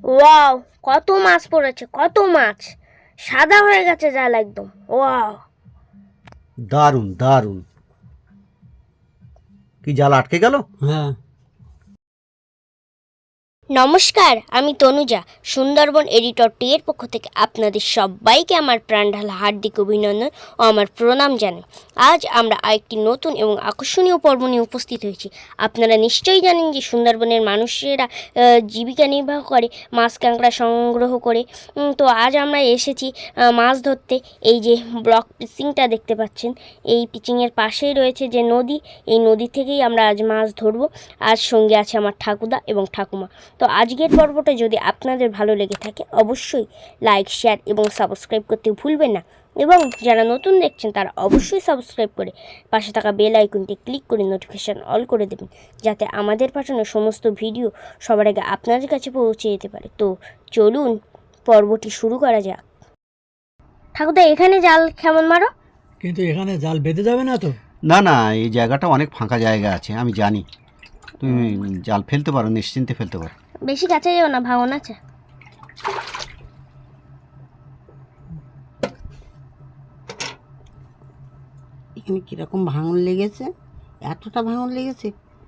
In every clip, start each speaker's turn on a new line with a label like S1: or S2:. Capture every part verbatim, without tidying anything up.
S1: Wow, কত মাছ পড়েছে, কত মাছ! সাদা হয়ে গেছে জাল একদম। ওয়াও,
S2: দারুণ দারুণ। কি জাল আটকে গেল?
S3: হ্যাঁ।
S1: নমস্কার, আমি তনুজা। সুন্দরবন এডিটর টি এর পক্ষ থেকে আপনাদের সবাইকে আমার প্রাণঢালা হার্দিক অভিনন্দন ও আমার প্রণাম জানাই। আজ আমরা আরেকটি নতুন এবং আকর্ষণীয় পর্ব নিয়ে উপস্থিত হয়েছি। আপনারা নিশ্চয়ই জানেন যে সুন্দরবনের মানুষেরা আহ, জীবিকা নির্বাহ করে মাছ কাঁকড়া সংগ্রহ করে। উম, তো আজ আমরা এসেছি আহ, মাছ ধরতে। এই যে ব্লক পিচিংটা দেখতে পাচ্ছেন, এই পিচিংয়ের পাশেই রয়েছে যে নদী, এই নদী থেকেই আমরা আজ মাছ ধরবো। আজ সঙ্গে আছে আমার ঠাকুরদা এবং ঠাকুমা। তো আজকের পর্বটা যদি আপনাদের ভালো লেগে থাকে অবশ্যই লাইক, শেয়ার এবং সাবস্ক্রাইব করতে ভুলবেন না। এবং যারা নতুন দেখছেন তারা অবশ্যই সাবস্ক্রাইব করে পাশে থাকা বেল আইকনটি ক্লিক করে নোটিফিকেশান অল করে দেবেন, যাতে আমাদের পাঠানো সমস্ত ভিডিও সবার আগে আপনাদের কাছে পৌঁছে যেতে পারে। তো চলুন পর্বটি শুরু করা যাক। ঠাকুরদা, এখানে জাল কেমন মারো?
S3: কিন্তু এখানে জাল বেঁধে যাবে না তো?
S2: না না, এই জায়গাটা অনেক ফাঁকা জায়গা আছে, আমি জানি। তুমি জাল ফেলতে পারো, নিশ্চিন্তে ফেলতে পারো।
S1: বেশি কাছে যাও না, ভাঙন আছে।
S4: এখানে কিরকম ভাঙন লেগেছে, এতটা ভাঙন লেগেছে।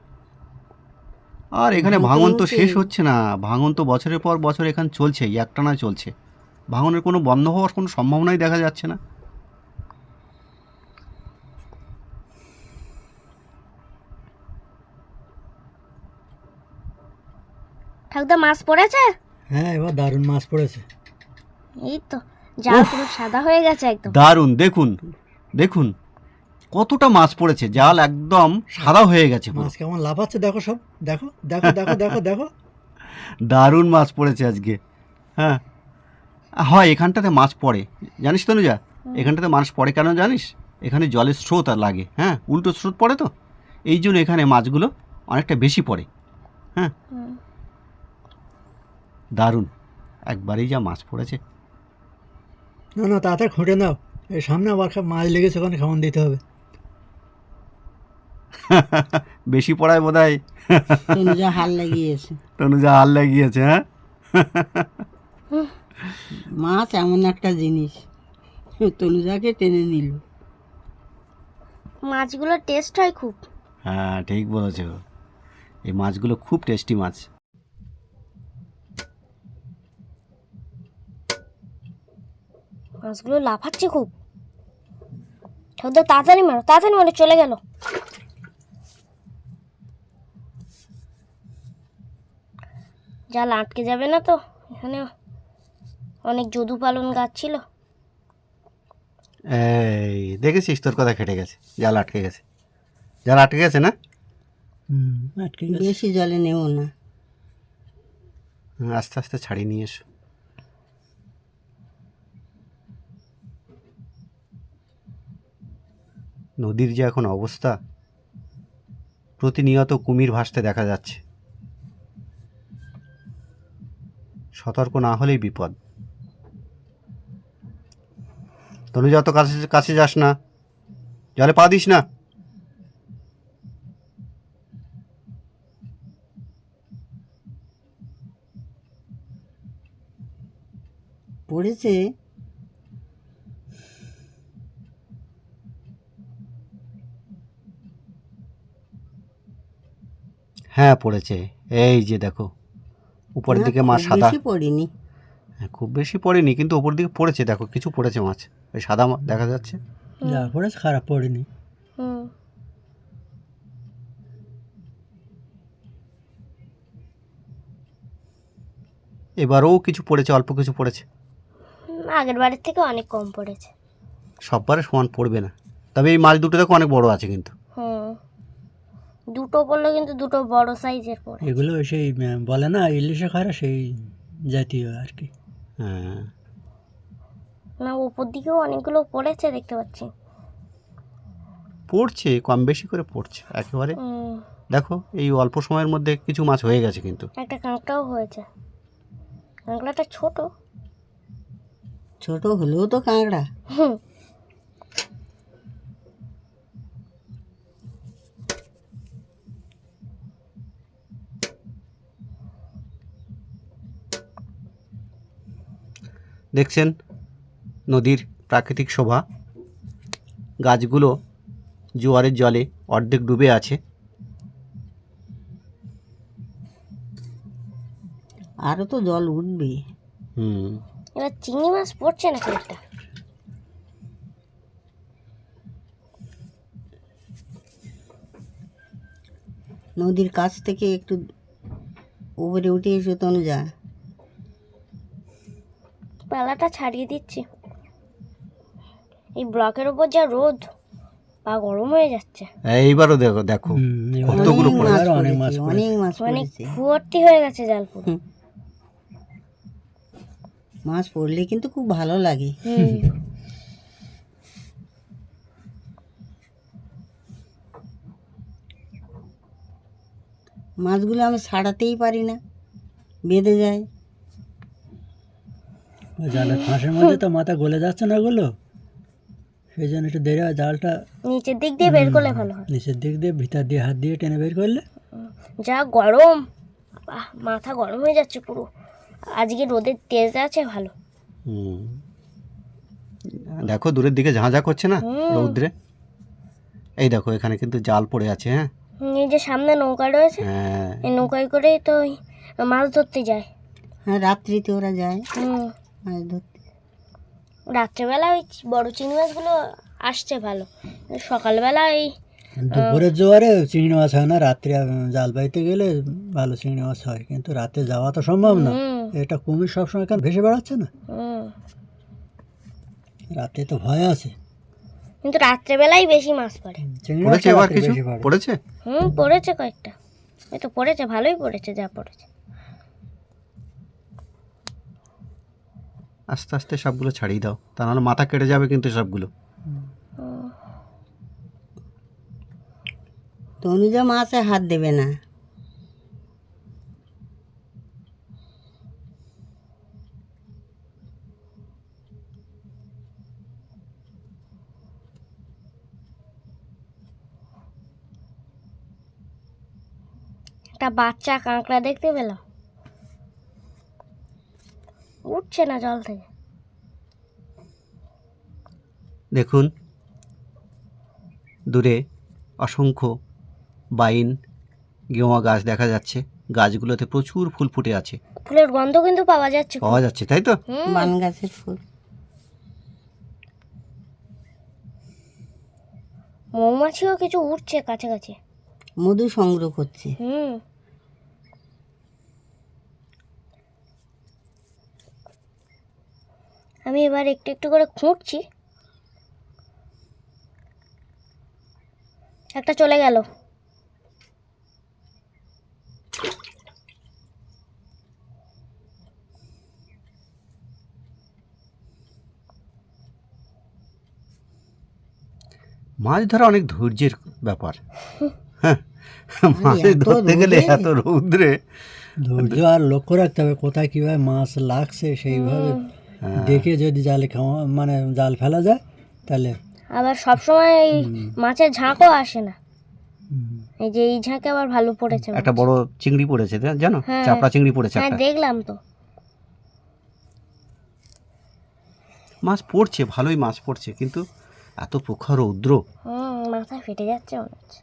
S2: আর এখানে
S4: ভাঙন তো
S2: ভাঙন তো
S4: হচ্ছে।
S2: শেষ হচ্ছে না, ভাঙন তো বছরের পর বছর এখানে চলছে, একটানা চলছে। ভাঙনের কোনো বন্ধ হওয়ার কোনো সম্ভাবনাই দেখা যাচ্ছে না।
S1: ঠাকুরদা, মাছ পড়েছে?
S3: হ্যাঁ, এবার দারুণ মাছ পড়েছে।
S1: এই তো জাল পুরো সাদা হয়ে গেছে একদম।
S2: দারুণ, দেখুন দেখুন কতটা মাছ পড়েছে, জাল একদম সাদা হয়ে গেছে পুরো।
S3: মাছ কেমন লাফাচ্ছে দেখো, সব দেখো দেখো দেখো দেখো দেখো।
S2: দারুণ মাছ পড়েছে আজকে। হ্যাঁ, হয় এখানটাতে মাছ পড়ে, জানিস তো অনুজা, এখানটাতে মাছ পড়ে কেন জানিস? এখানে জলের স্রোত আর লাগে, হ্যাঁ, উল্টো স্রোত পড়ে তো, এই জন্য এখানে মাছগুলো অনেকটা বেশি পড়ে। হ্যাঁ, দারুণ, একবারেই যা মাছ পড়েছে।
S3: না না, তাড়াতাড়ি খুঁটে নাও, এই সামনে আবার খা- মাছ লেগেছে, ওখানে খাওয়ান দিতে হবে।
S2: বেশি পড়ায় বোধ হয়
S4: তনুজা হাল লাগিয়েছে।
S2: তনুজা হাল লাগিয়েছে। হ্যাঁ,
S4: মাছ এমন একটা জিনিস, তনুজাকে টেনে নিল।
S1: মাছগুলোর টেস্ট হয় খুব।
S2: হ্যাঁ ঠিক বলেছ, এই মাছগুলো খুব টেস্টি মাছ।
S1: মাছগুলো লাফাচ্ছে খুব। ঠাকুরদা, তাড়াতাড়ি মারো, তাড়াতাড়ি মারো, চলে গেল। জাল আটকে যাবে না তো? এখানে অনেক যদু পালন গাছ ছিল।
S2: এই দেখেছিস, তোর কথা কেটে গেছে, জাল আটকে গেছে, জাল আটকে গেছে না?
S3: হুম, আটকে গেছে।
S4: বেশি জলে নেব না।
S2: হুম, আস্তে আস্তে ছাড়িয়ে নিয়ে এসো। নদীর যে এখন অবস্থা, প্রতিনিয়ত কুমির ভাসতে দেখা যাচ্ছে, সতর্ক না হলেই বিপদ। তনু যত কাছে কাছে যাস না, জলে পা দিস না।
S4: পড়েছে।
S2: হ্যাঁ পড়েছে, এই যে দেখো উপরের
S4: না,
S2: দিকে মাছ
S4: খুব
S2: সাদা।
S4: বেশি পড়েনি।
S2: হ্যাঁ, খুব বেশি পড়েনি, কিন্তু ওপর দিকে পড়েছে, দেখো কিছু পড়েছে মাছ, ওই সাদা মা- দেখা যাচ্ছে।
S3: যা পড়েছে খারাপ পড়েনি।
S1: হুম,
S2: এবারও কিছু পড়েছে, অল্প কিছু পড়েছে,
S1: আগের বারের থেকে অনেক কম পড়েছে।
S2: সববারে সমান পড়বে না, তবে এই মাছ দুটো দেখো অনেক বড় আছে কিন্তু।
S1: হুম, দুটো পড়লো কিন্তু দুটো বড় সাইজের পড়ে।
S3: এগুলো সেই আহ, বলে না ইলিশে খারা, সেই জাতীয় আর কি।
S2: হ্যাঁ,
S1: না, উপর দিকেও অনেকগুলো পড়েছে দেখতে পাচ্ছি।
S2: পড়ছে, কম বেশি করে পড়ছে একেবারে।
S1: হুম,
S2: দেখো এই অল্প সময়ের মধ্যে কিছু মাছ হয়ে গেছে কিন্তু।
S1: একটা কাঁকড়াও হয়েছে। কাঁকড়াটা ছোট।
S4: ছোট হলেও তো কাঁকড়া।
S1: হুম,
S2: দেখছেন নদীর প্রাকৃতিক শোভা, গাছগুলো জোয়ারের জলে অর্ধেক ডুবে আছে।
S4: আরও তো জল উঠবে।
S2: হুম
S1: এবার চিংড়ি মাছ পড়ছে না একটা।
S4: নদীর কাছ থেকে একটু উপরে উঠে এসে তনুজা।
S1: পালাটা ছাড়িয়ে দিচ্ছি। এই ব্লকের ওপর যা রোদ, পা গরম হয়ে যাচ্ছে।
S2: এইবারও দেখো দেখো
S3: হুম, এবার
S2: কতগুলো
S4: অনেক
S2: পড়েছে।
S4: মাছ
S3: অনেক মাছ
S4: পড়েছে,
S3: পড়েছে।
S4: অনেক মাছ
S1: মানে
S4: পড়েছে।
S1: ভর্তি হয়ে গেছে জাল পুরো।
S4: হুম। মাছ পড়লে কিন্তু খুব ভালো লাগে।
S1: হুম।
S4: মাছগুলো আমি ছাড়াতেই পারি না, বেঁধে যায়।
S3: ওই জালের ফাঁসের মধ্যে তো মাথা গলে যাচ্ছে না ওগুলো, সেই জন্য একটু দেরি হয়। জালটা
S1: নিচের দিক দিয়ে বের করলে ভালো হয়।
S3: নিচের দিক দিয়ে ভিতর দিয়ে হাত দিয়ে টেনে বের করলে।
S1: যা গরম, বাহ, মাথা গরম হয়ে যাচ্ছে পুরো। আজকে রোদের তেজ আছে ভালো।
S2: হুম দেখো দূরের দিকে ঝাঁঝা করছে না
S1: হুম।
S2: রৌদ্রে। এই দেখো এখানে কিন্তু জাল পড়ে আছে। হ্যাঁ
S1: হুম, এই যে সামনে নৌকা রয়েছে,
S2: হ্যাঁ
S1: এই নৌকায় করেই তো ওই মাছ ধরতে যায়।
S4: হ্যাঁ, রাত্রিতে ওরা যায়
S1: হুম,
S4: মাছ ধরতে।
S1: রাত্রেবেলা ওই বড় চিংড়ি মাছগুলো আসছে ভালো, সকালবেলা এই
S3: দুপুরের জোয়ারে চিংড়ি মাছ হয় না, রাত্রে আহ, জাল বাইতে গেলে ভালো চিংড়ি মাছ হয়, কিন্তু রাতে যাওয়া তো সম্ভব না।
S1: হুম,
S3: এটা কুমির সবসময় কেন ভেসে বেড়াচ্ছে না,
S1: হুম,
S3: রাতে তো ভয় আছে।
S1: কিন্তু রাত্রেবেলাই বেশি মাছ পড়ে।
S3: চিংড়ি
S2: পড়েছে
S3: মাছটা
S2: এবার
S3: রাত্রে
S2: কিছু
S3: বেশি পড়ে।
S2: পড়েছে।
S1: হুম, পড়েছে কয়েকটা, এই তো পড়েছে, ভালোই পড়েছে যা পড়েছে।
S2: আস্তে আস্তে সবগুলো ছাড়িয়ে দাও, তা নাহলে মাথা কেটে যাবে কিন্তু সবগুলো।
S1: হুম,
S4: তনুজা মাছে হাত দেবে না।
S1: একটা বাচ্চা কাঁকড়া দেখতে পেলাম, উঠছে না জল থেকে।
S2: দেখুন দূরে অসংখ্য বাইন গেওয়া গাছ দেখা যাচ্ছে, গাছগুলোতে প্রচুর ফুল ফুটে আছে,
S1: ফুলের গন্ধ কিন্তু পাওয়া যাচ্ছে খুব।
S2: পাওয়া যাচ্ছে তাই তো।
S1: হুম,
S4: বান গাছের ফুল।
S1: মৌমাছিও কিছু উঠছে কাছাকাছি।
S4: মধু সংগ্রহ করছে।
S1: হুম, আমি এবার একটু একটু করে খুঁটছি, একটা চলে গেল।
S2: মাছ ধরা অনেক ধৈর্যের ব্যাপার। হ্যাঁ মাছ
S4: এত
S2: ধরতে গেলে
S4: রোদে?
S2: এত রৌদ্রে
S3: ধৈর্য আর লক্ষ্য রাখতে হবে কোথায় কিভাবে মাছ লাগছে, সেইভাবে দেখে যদি জালে খাওয়া মানে জাল ফেলা যায় তাহলে।
S1: আবার সবসময় এই মাছের ঝাঁকও আসে না,
S3: হুম,
S1: এই যে এই ঝাঁকে আবার ভালো পড়েছে মাছ।
S2: একটা বড় চিংড়ি পড়েছে জা- জানো,
S1: হ্যাঁ।
S2: চাপড়া চিংড়ি পড়েছে
S1: হ্যাঁ
S2: একটা।
S1: দেখলাম তো।
S2: মাছ পড়ছে, ভালোই মাছ পড়ছে, কিন্তু এত প্রখর রৌদ্র।
S1: হুম, মাথা ফেটে যাচ্ছে মনে হচ্ছে।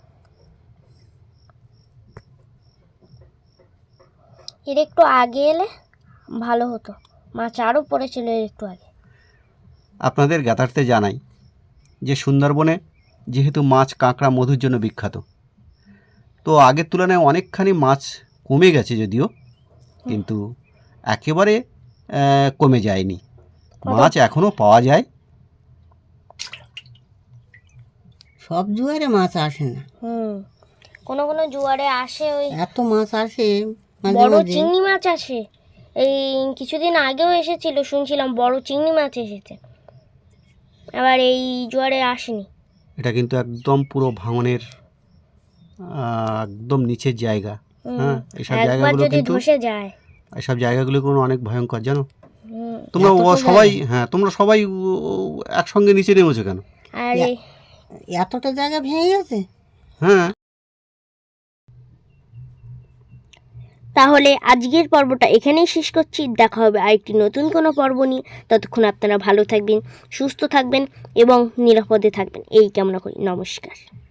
S1: এর একটু আগে এলে ভালো হতো, মাছ আরও পড়েছিল এর একটু আগে।
S2: আপনাদের জ্ঞাতার্থে জানাই যে সুন্দরবনে যেহেতু মাছ কাঁকড়া মধুর জন্য বিখ্যাত, তো আগের তুলনায় অনেকখানি মাছ কমে গেছে যদিও, কিন্তু একেবারে আহ, কমে যায়নি, মাছ এখনও পাওয়া যায়।
S4: সব জোয়ারে মাছ আসে না,
S1: হুম, কোনো কোনো জোয়ারে আসে ওই
S4: এত মাছ আসে মাঝে
S1: বড়
S4: মাঝে।
S1: চিংড়ি মাছ আসে। এই কিছুদিন আগেও এসেছিল, শুনছিলাম বড় চিংড়ি মাছ এসেছে, আবার এই জোয়ারে আসেনি।
S2: এটা কিন্তু একদম পুরো ভাঙনের আহ, একদম নিচের জায়গা।
S1: হুম,
S2: হ্যাঁ এইসব
S1: একবার
S2: জায়গাগুলো
S1: যদি
S2: কিন্তু
S1: ধসে যায়।
S2: এইসব জায়গাগুলো কোনো অনেক ভয়ঙ্কর জানো।
S1: হুম,
S2: তোমরা
S4: এত তো
S2: ও- সবাই হ্যাঁ তোমরা সবাই ও- ও- একসঙ্গে নিচে নেমেছো কেন?
S1: আর এই
S4: এতটা জায়গা ভেঙে গেছে।
S2: হ্যাঁ
S1: তাহলে আজকের পর্বটা এখানেই শেষ করছি। দেখা হবে আরেকটি নতুন কোনো পর্ব নিয়ে। ততক্ষণ আপনারা ভালো থাকবেন, সুস্থ থাকবেন এবং নিরাপদে থাকবেন এই কামনা করি। নমস্কার।